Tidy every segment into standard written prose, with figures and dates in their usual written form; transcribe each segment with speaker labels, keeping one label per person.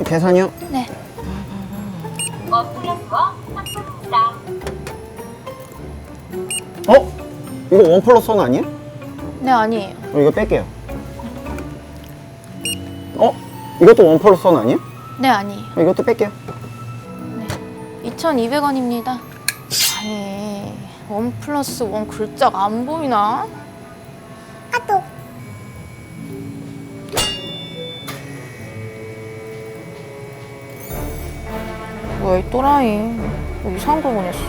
Speaker 1: 계산이요?
Speaker 2: 네.
Speaker 1: 어? 이거 원 플러스 원 아니에요?
Speaker 2: 네, 아니에요.
Speaker 1: 이거 뺄게요. 어? 이것도 원 플러스 원 아니에요?
Speaker 2: 네, 아니에요.
Speaker 1: 이것도 뺄게요.
Speaker 2: 네. 2,200원입니다. 아니, 원 플러스 원 글자가 안 보이나?
Speaker 3: 아또
Speaker 2: 뭐야, 이 또라이. 뭐 이상한 거 보냈어.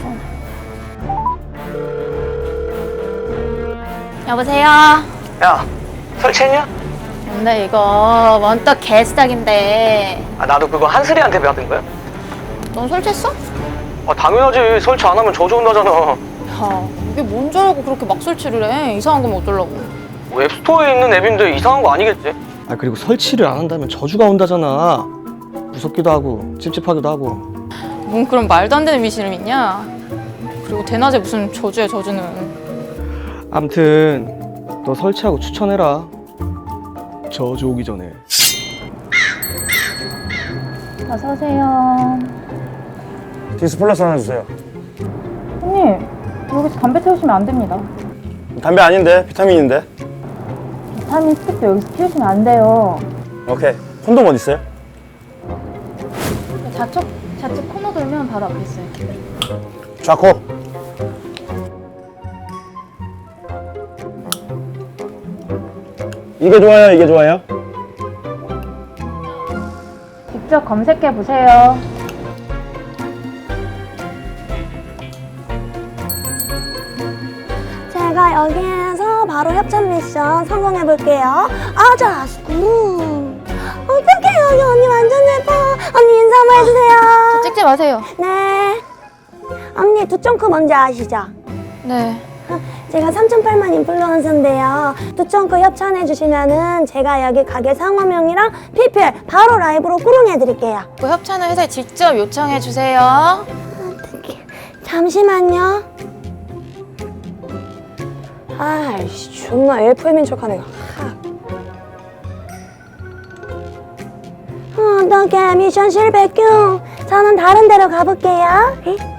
Speaker 2: 여보세요?
Speaker 4: 야, 설치했냐?
Speaker 2: 근데 이거 원떡 개수작인데
Speaker 4: 아, 나도 그거 한슬이한테 받은 거야?
Speaker 2: 넌 설치했어?
Speaker 4: 아, 당연하지. 설치 안 하면 저주 온다잖아.
Speaker 2: 야, 이게 뭔 줄 알고 그렇게 막 설치를 해. 이상한 거면 어쩌려고.
Speaker 4: 웹스토어에 있는 앱인데 이상한 거 아니겠지?
Speaker 5: 아 그리고 설치를 안 한다면 저주가 온다잖아. 무섭기도 하고 찝찝하기도 하고.
Speaker 2: 뭔 그런 말도 안 되는 미신을 믿냐? 그리고 대낮에 무슨 저주야, 저주는.
Speaker 5: 암튼 너 설치하고 추천해라. 저주 오기 전에.
Speaker 2: 어서 오세요.
Speaker 6: 디스 플러스 하나 주세요.
Speaker 2: 손님, 여기서 담배 태우시면 안 됩니다.
Speaker 6: 담배 아닌데 비타민인데.
Speaker 2: 비타민 스틱도 여기서 피우시면 안 돼요.
Speaker 6: 오케이. 콘돔 어디 있어요?
Speaker 2: 좌측 코너 돌면 바로 앞에 있어요.
Speaker 6: 좌코. 이게 좋아요, 이게 좋아요?
Speaker 2: 직접 검색해 보세요.
Speaker 3: 제가 여기에서 바로 협찬 미션 성공해 볼게요. 아자 스쿠. 어떡해 여기 언니 완전 예뻐. 언니 인사 한번 해주세요.
Speaker 2: 찍지 마세요.
Speaker 3: 네. 언니 두점크 뭔지 아시죠?
Speaker 2: 네.
Speaker 3: 제가 3,800 인플루언서인데요. 두점크 협찬해 주시면은 제가 여기 가게 상호명이랑 PPL 바로 라이브로 꾸롱해 드릴게요.
Speaker 2: 그 협찬을 회사에 직접 요청해 주세요.
Speaker 3: 어떡해. 잠시만요. 아이씨 존나 LFM인 척하네. 어떡해 미션 실패큐. 저는 다른 데로 가볼게요.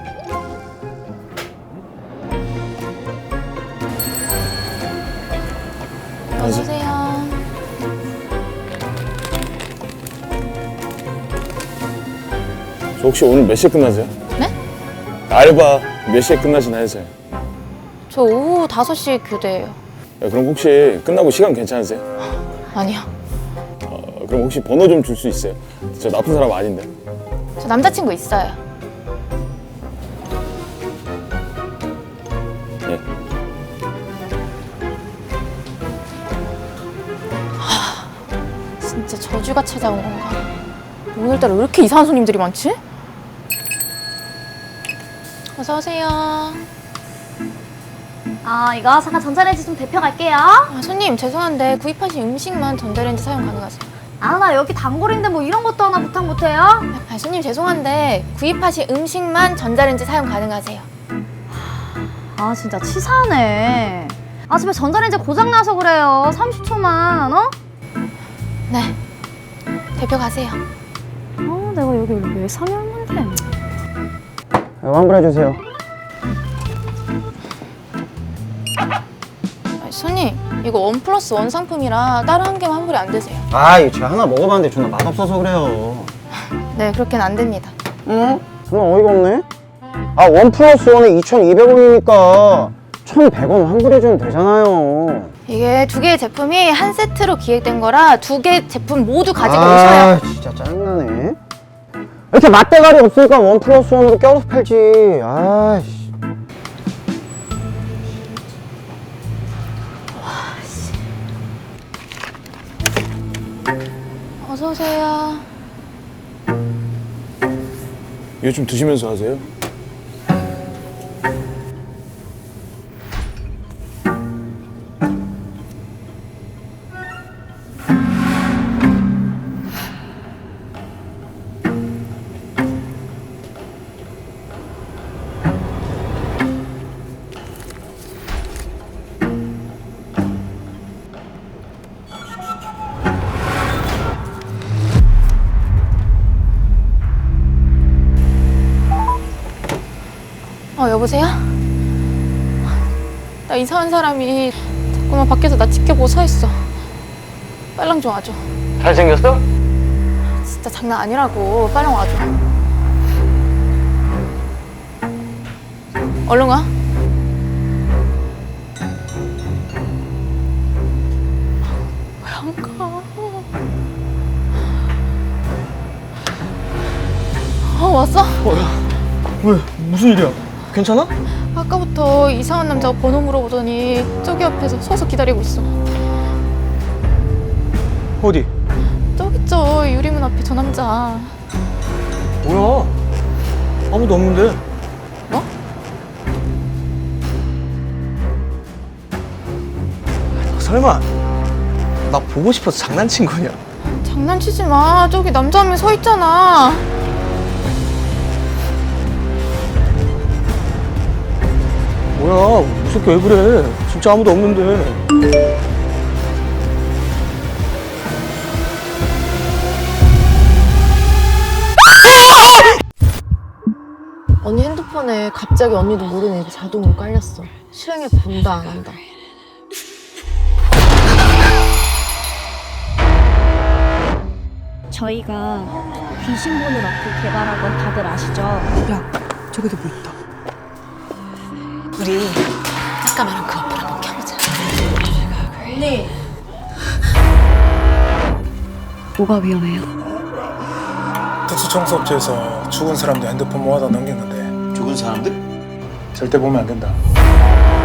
Speaker 2: 어서 오세요.
Speaker 6: 저 혹시 오늘 몇 시에 끝나세요?
Speaker 2: 네?
Speaker 6: 알바 몇 시에 끝나시나 해서요.
Speaker 2: 저 오후 5시 교대예요.
Speaker 6: 야, 그럼 혹시 끝나고 시간 괜찮으세요?
Speaker 2: 아니요.
Speaker 6: 그럼 혹시 번호 좀 줄 수 있어요? 저 나쁜 사람 아닌데.
Speaker 2: 저 남자친구 있어요.
Speaker 6: 예.
Speaker 2: 진짜 저주가 찾아온 건가? 오늘따라 왜 이렇게 이상한 손님들이 많지? 어서 오세요.
Speaker 7: 이거 잠깐 전자레인지 좀 데펴갈게요.
Speaker 2: 손님 죄송한데 구입하신 음식만 전자레인지 사용 가능하세요?
Speaker 7: 나 여기 단골인데 뭐 이런 것도 하나 부탁 못해요?
Speaker 2: 손님 죄송한데 구입하신 음식만 전자레인지 사용 가능하세요?
Speaker 7: 진짜 치사하네. 집에 전자레인지 고장나서 그래요. 30초만,
Speaker 2: 네. 대표 가세요.
Speaker 7: 내가 여기 왜 상여했는데?
Speaker 1: 환불해주세요.
Speaker 2: 손님 이거 원 플러스 원 상품이라 다른 한 개만 환불이 안 되세요.
Speaker 1: 아, 이거 제가 하나 먹어봤는데 존나 맛없어서 그래요.
Speaker 2: 네 그렇게는 안 됩니다.
Speaker 1: 응? 존나 어이가 없네? 아, 원 플러스 원에 2,200원이니까 1,100원 환불해주면 되잖아요.
Speaker 2: 이게 두 개의 제품이 한 세트로 기획된 거라 두 개 제품 모두 가지고 오셔야.
Speaker 1: 진짜 짜증나네. 이렇게 맛대가리 없으니까 원 플러스 원으로 껴서 팔지. 아이씨.
Speaker 2: 어서 오세요.
Speaker 6: 이거 좀 드시면서 하세요.
Speaker 2: 여보세요? 나 이상한 사람이 자꾸만 밖에서 나 지켜보고 서 있어. 빨랑 좀 와줘.
Speaker 4: 잘생겼어?
Speaker 2: 진짜 장난 아니라고. 빨랑 와줘. 얼른 와. 왜 안 가? 왔어?
Speaker 5: 왜? 무슨 일이야? 괜찮아?
Speaker 2: 아까부터 이상한 남자가 번호 물어보더니 저기 앞에서 서서 기다리고 있어.
Speaker 5: 어디?
Speaker 2: 저기 있죠. 유리문 앞에 저 남자.
Speaker 5: 뭐야? 아무도 없는데.
Speaker 2: 뭐?
Speaker 5: 설마 나 보고 싶어서 장난친 거냐?
Speaker 2: 장난치지 마. 저기 남자 한 명 서 있잖아.
Speaker 5: 뭐야? 무섭게 왜 그래? 진짜 아무도 없는데.
Speaker 8: 언니 핸드폰에 갑자기 언니도 모르는 앱이 자동으로 깔렸어. 실행해 본다 안 한다.
Speaker 9: 저희가 귀신 보는 어플 개발한 건 다들 아시죠?
Speaker 2: 잠깐만 그 어플 한번 켜보자.
Speaker 9: 뭐가 위험해요?
Speaker 10: 특수청소업체에서 죽은 사람들 핸드폰 모아다 넘겼는데
Speaker 11: 죽은 사람들?
Speaker 10: 절대 보면 안 된다.